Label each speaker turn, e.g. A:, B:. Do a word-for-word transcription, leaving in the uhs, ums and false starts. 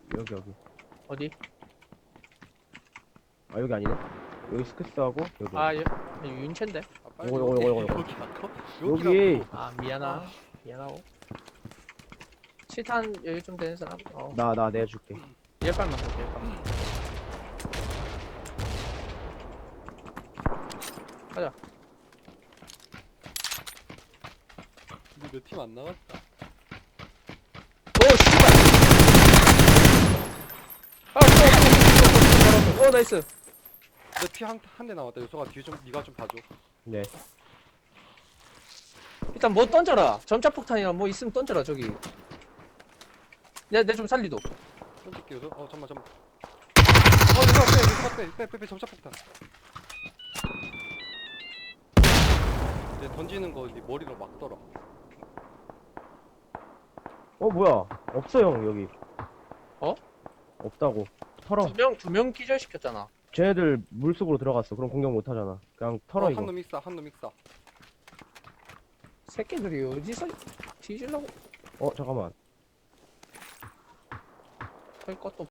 A: 여기 여기.
B: 어디?
A: 아 여기 아니네. 여기 스크스하고 여기.
B: 아, 여, 윤채인데?
C: 아, 빨리
A: 요거, 요거, 요거, 요거.
C: 여기
A: 여기.
C: 여기라고.
B: 아, 미안하. 미안하고. 칠탄 여기 좀 되는 사람? 어,
A: 나 나 내줄게.
B: 열 발만 볼게, 열 발만. 가자.
C: 근데 내 팀 안 나갔다.
B: 오, 씨발! 아, 또, 또, 또, 또, 또, 오, 나이스.
C: 내 피 한 한 대 나왔다. 요소가 뒤에 좀 네가 좀 봐줘.
A: 네.
B: 일단 뭐 던져라. 전차폭탄이나 뭐 있으면 던져라, 저기. 내, 내 좀 살리도.
C: 던질게 요소. 어 잠만 잠만. 어 요소가 빼 요소가 빼빼빼빼 점차폭탄. 내 던지는 거 네 머리로 막더라.
A: 어 뭐야? 없어 형 여기.
B: 어?
A: 없다고. 털어.
B: 두 명, 두 명 기절시켰잖아.
A: 쟤네들 물 속으로 들어갔어. 그럼 공격 못 하잖아. 그냥 털어
C: 어,
A: 이거.
C: 한놈 익사 한놈 익사.
B: 새끼들이 어디서 뒤질라고
A: 어 잠깐만.
B: 할 것도